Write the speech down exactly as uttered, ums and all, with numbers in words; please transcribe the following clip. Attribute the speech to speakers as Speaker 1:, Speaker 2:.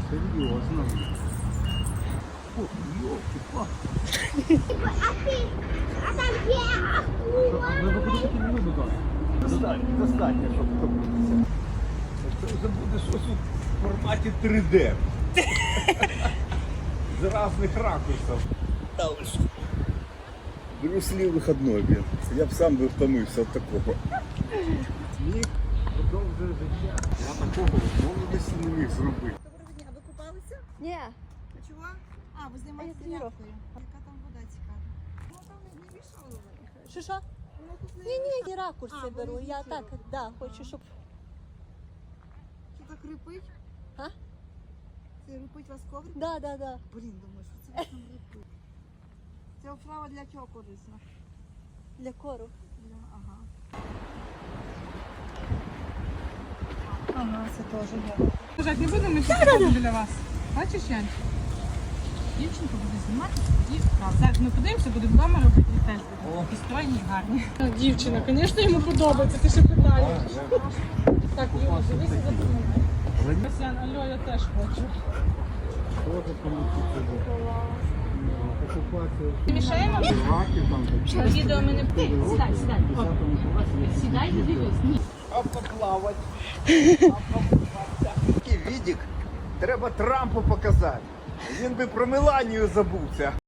Speaker 1: Серьезно. Ох, ёлки-палки. Достатньо, достатньо, щоб втопитися. Це вже буде щось у форматі три де. З різних ракурсів. Брюс Лі вихідний, блін. Я б сам би втомився від такого. Сміх продовжує життя. Я такого в молодості не міг зробити.
Speaker 2: Доброго дня, ви купалися?
Speaker 3: Ні.
Speaker 2: А чого? А, ви знімаєте
Speaker 3: А я
Speaker 2: рябкою. Яка там вода цікава? Ну там не вішали ви.
Speaker 3: Що що?
Speaker 2: Воно тут не...
Speaker 3: Ні, ні, ні, ракурси
Speaker 2: А,
Speaker 3: беру.
Speaker 2: вони
Speaker 3: Я
Speaker 2: звідси
Speaker 3: так,
Speaker 2: робите?
Speaker 3: да, хочу, щоб.
Speaker 2: Що так рипить?
Speaker 3: А?
Speaker 2: Це рипить вас коврик?
Speaker 3: Да, да, да.
Speaker 2: Блін, думаю, що це вас там рипить. Ця оправа для чого корисна?
Speaker 3: Для кору.
Speaker 2: Для... Ага. Ага, це теж є.
Speaker 4: Лежать не будемо, ми тут біля вас. Бачиш, Янь? Дівчинка буде знімати тоді вправ. Зараз ми подивимося, будемо вдома робити і теж будемо. І стройні, і гарні. Дівчина, звісно, йому подобається, ти ще питаєш. Так, Юля, дивися, запоминай. Ян, алло, я теж хочу. Мішаємо? Відео ми не... Сідай, сідай. Сідай і дивись. Ні.
Speaker 1: А поплавати. Такий відік треба Трампу показати. Він би про Меланію забувся.